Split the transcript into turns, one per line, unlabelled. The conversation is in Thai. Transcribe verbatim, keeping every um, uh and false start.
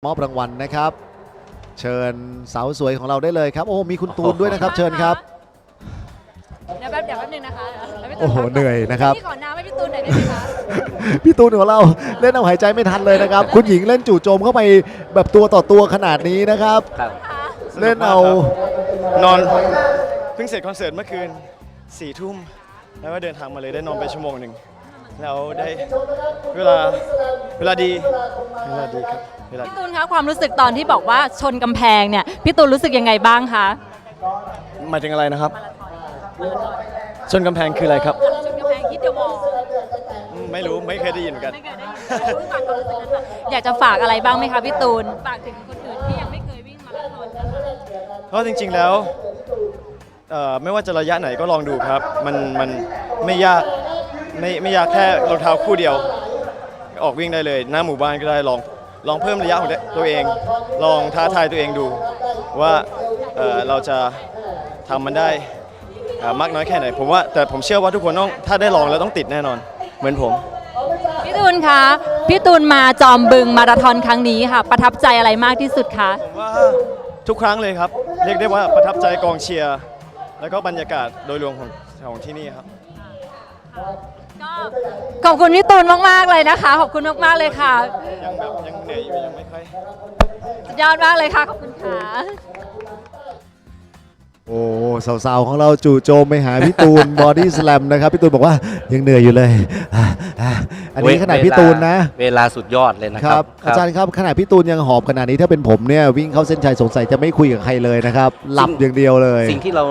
มอบรางวัลนะครับ เชิญสาวสวยของเราได้เลยครับโอ้มีคุณตูนด้วยนะครับเชิญครับ
เดี๋ยวแป๊บเดี๋ยวแป๊บนึงนะคะเดี๋ยวพี่ตูน
โอ้โหเหนื่อยนะครับ
พี่ขอน้ำให้พี่ตูนหน่อยได้ไหมคะ
พี่ตูนของเราเล่นเอาหายใจไม่ทันเลยนะครับ คุณหญิงเล่นจู่โจมเข้าไปแบบตัวต่อตัวขนาดนี้นะครับ
ครับ
เล่นเอา
นอนเพิ่งเสร็จคอนเสิร์ตเมื่อคืนสี่ทุ่มแล้วก็เดินทางมาเลยได้นอนไปชั่วโมงหนึ่งแล้วได้เวลาเวลาดีเวลาดีครับเวลา
พี่ตูนคะความรู้สึกตอนที่บอกว่าชนกำแพงเนี่ยพี่ตูนรู้สึกยังไงบ้างคะ
หมายถึงอะไรนะครับชนกำแพงคืออะไรครับ
ชนกำแพงคิดเดอะวอล
อืมไม่รู้ไม่เคยได้ยินเหมือนกัน
ไม่เคยได้ยินรู้จักความรู้สึกนั้นค่ะอยากจะฝากอะไรบ้างไหมคะพี่ตูนฝากถึงคนอื่นที่ยังไม่เคยวิ่งมาราธอนนะคะ
เพราะจริงๆแล้วเอ่อไม่ว่าจะระยะไหนก็ลองดูครับ มันมันไม่ยากไม่ไม่ยากแค่รองเท้าคู่เดียว ออกวิ่งได้เลยหน้าหมู่บ้านก็ได้ลองลองเพิ่มระยะของตัวเอง ลองท้าทายตัวเองดูว่าเอ่อเราจะทำมันได้เอ่อมากน้อยแค่ไหนผมว่าแต่ผมเชื่อว่าทุกคนต้องถ้าได้ลองแล้วต้องติดแน่นอนเหมือนผม
พี่ตูนคะพี่ตูนมาจอมบึงมาราธอนครั้งนี้ค่ะ ประทับใจอะไรมากที่สุดคะ
ผมว่าทุกครั้งเลยครับ เรียกได้ว่าประทับใจกองเชียร์แล้วก็บรรยากาศโดยรวมของของที่นี่ครับ
ขอบคุณพี่ตูนมากๆเลยนะคะขอบคุณมากๆเลยค่ะ
ยังแบบยังเหนื่อยอยู่ยังไม่ค่อย
สุดยอดมากเลยค่ะขอบคุณค่ะ
โอ้สาวๆของเราจู่โจมไปหาพี่ตูน บอดี้สแลมนะครับพี่ตูนบอกว่ายังเหนื่อยอยู่เลยอ่ะอ่ะอันนี้ขนาดพี่ตูนนะ
เวลาสุดยอดเลยนะ
ค
ค
รั
รั
บบ อาจารย์ครับขนาดพี่ตูนยังหอบขนาดนี้ถ้าเป็นผมเนี่ยวิ่งเข้าเส้นชัยสงสัยจะไม่คุยกับใครเลยนะครับหลับอย่างเดียวเลย
สิ่งที่เรา